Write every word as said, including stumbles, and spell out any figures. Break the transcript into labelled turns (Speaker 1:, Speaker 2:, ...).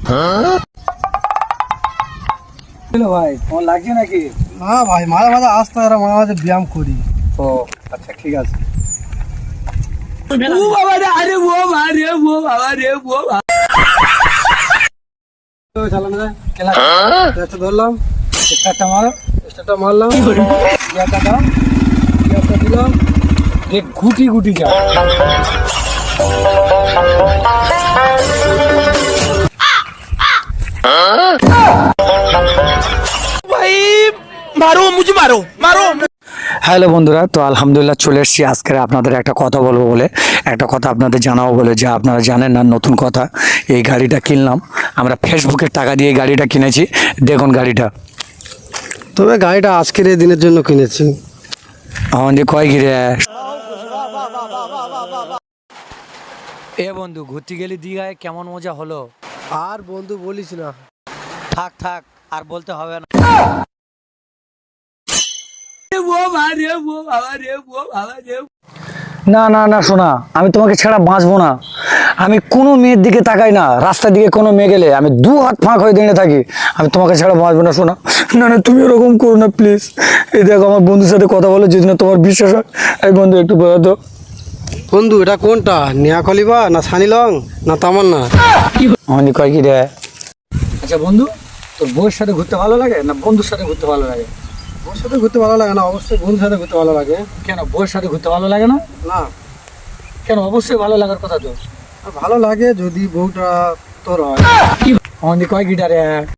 Speaker 1: ভাই তোমার লাগছে নাকি?
Speaker 2: না ভাই, মাঝে মাঝে আসতে আর মাঝে মাঝে ব্যায়াম করি।
Speaker 1: ও আচ্ছা ঠিক আছে। ও বাবা রে, আরে ও বাবা রে, ও বাবা রে, ও বাবা। তো চালানো যায় খেলা।
Speaker 2: এটা ধরলাম,
Speaker 1: স্টার্টটা মারো।
Speaker 2: স্টারটা মারলাম,
Speaker 1: গিয়ারটা দাও,
Speaker 2: গিয়ারটা দিলাম।
Speaker 1: দেখ গুটি গুটি যাও।
Speaker 3: मारो मुझे मारो मारो।
Speaker 1: হ্যালো বন্ধুরা, তো আলহামদুলিল্লাহ চলে এসেছি আজকে আপনাদের একটা কথা বলবো বলে, একটা কথা আপনাদের জানাবো বলে, যে আপনারা জানেন না নতুন কথা। এই গাড়িটা কিনলাম আমরা, ফেসবুকের টাকা দিয়ে এই গাড়িটা কিনেছি। দেখুন গাড়িটা।
Speaker 2: তবে গাড়িটা আজকের এই দিনের জন্য কিনেছি।
Speaker 1: আমাদের কয় ঘিরে এ বন্ধু, ঘুরতে গেলি দীঘায়, কেমন মজা হলো?
Speaker 2: আর বন্ধু বলিস না,
Speaker 1: থাক থাক আর বলতে হবে না। না না না শোনা, আমি তোমাকে ছাড়া বাঁচবো না। আমি কোনো মেয়ের দিকে তাকাই না, রাস্তার দিকে কোনো মেয়ে গেলে আমি দু হাত ফাঁক হয়ে দাঁড়িয়ে থাকি। আমি তোমাকে ছাড়া বাঁচবো না শোনা। না না তুমি ওরকম করো না প্লিজ। এই দেখো আমার বন্ধুর সাথে কথা বলো, যদি না তোমার বিশ্বাস হয়। এই বন্ধু একটু বলো তো।
Speaker 2: বন্ধু এটা কোনটা, নেহা কলিবা না সানিলং না তামান্না?
Speaker 1: আমাদের কয় কি রে? আচ্ছা বন্ধু, তোর বউয়ের সাথে ঘুরতে ভালো লাগে না বন্ধুর সাথে ঘুরতে ভালো লাগে?
Speaker 2: ওর সাথে ঘুরতে ভালো লাগে না, অবশ্যই বন্ধুর সাথে ঘুরতে ভালো লাগে।
Speaker 1: কেন বউয়ের সাথে ঘুরতে ভালো লাগে না?
Speaker 2: না,
Speaker 1: কেন অবশ্যই ভালো লাগার কথা তো।
Speaker 2: ভালো লাগে যদি বউটা তোর হয়।
Speaker 1: আমাদের কয় গিটারে